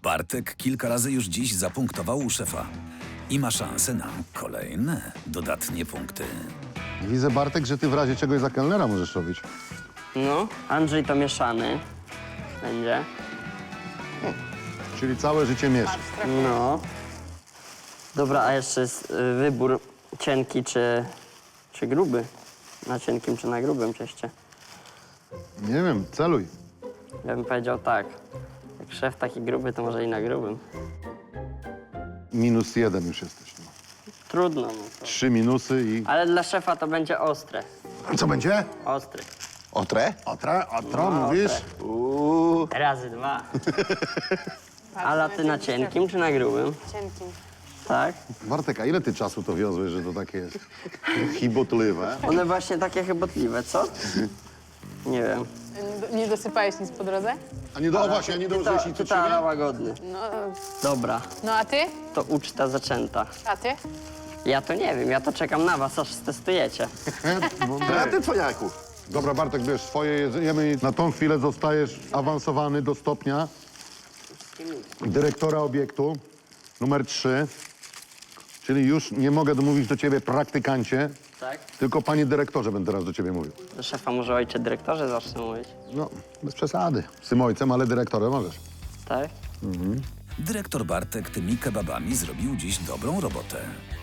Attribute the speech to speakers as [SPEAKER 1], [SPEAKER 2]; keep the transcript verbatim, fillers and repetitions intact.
[SPEAKER 1] Bartek kilka razy już dziś zapunktował u szefa i ma szansę na kolejne dodatnie punkty.
[SPEAKER 2] Widzę, Bartek, że ty w razie czegoś za kelnera możesz robić.
[SPEAKER 3] No, Andrzej to mieszany będzie.
[SPEAKER 2] Czyli całe życie mieszasz.
[SPEAKER 3] No. Dobra, a jeszcze jest y, wybór cienki czy, czy gruby. Na cienkim czy na grubym cieście.
[SPEAKER 2] Nie wiem, celuj.
[SPEAKER 3] Ja bym powiedział tak. Jak szef taki gruby, to może i na grubym.
[SPEAKER 2] Minus jeden już jesteś. No.
[SPEAKER 3] Trudno. No to.
[SPEAKER 2] Trzy minusy i...
[SPEAKER 3] Ale dla szefa to będzie ostre.
[SPEAKER 2] Co będzie?
[SPEAKER 3] Ostry.
[SPEAKER 4] Otre?
[SPEAKER 2] Otra, otro,
[SPEAKER 3] No,
[SPEAKER 2] mówisz?
[SPEAKER 3] otre.
[SPEAKER 4] Uuu.
[SPEAKER 3] Razy dwa. Ale ty na cienkim czy na grubym?
[SPEAKER 5] Cienkim.
[SPEAKER 3] Tak?
[SPEAKER 2] Bartek, a ile ty czasu to wiozłeś, że to takie jest chibotliwe?
[SPEAKER 3] One właśnie takie chybotliwe, co? Nie wiem.
[SPEAKER 5] Nie, nie dosypałeś nic po drodze?
[SPEAKER 2] A nie do, o właśnie, a nie dołożyłeś nic od
[SPEAKER 3] Tytara
[SPEAKER 2] siebie?
[SPEAKER 3] łagodny.
[SPEAKER 5] No,
[SPEAKER 3] Dobra,
[SPEAKER 5] no a ty?
[SPEAKER 3] to uczta zaczęta.
[SPEAKER 5] A ty?
[SPEAKER 3] Ja to nie wiem, ja to czekam na was, aż stestujecie.
[SPEAKER 4] A ty, cwaniaku.
[SPEAKER 2] Dobra, Bartek, bierz swoje jedzenie i na tą chwilę zostajesz awansowany do stopnia dyrektora obiektu numer trzy. Czyli już nie mogę domówić do ciebie praktykancie,
[SPEAKER 3] Tak?
[SPEAKER 2] tylko panie dyrektorze będę teraz do ciebie mówił.
[SPEAKER 3] Do szefa może ojcze dyrektorze zacznę mówić.
[SPEAKER 2] No, bez przesady. Z tym ojcem, ale dyrektorem możesz.
[SPEAKER 3] Tak?
[SPEAKER 1] Dyrektor Bartek tymi kebabami zrobił dziś dobrą robotę.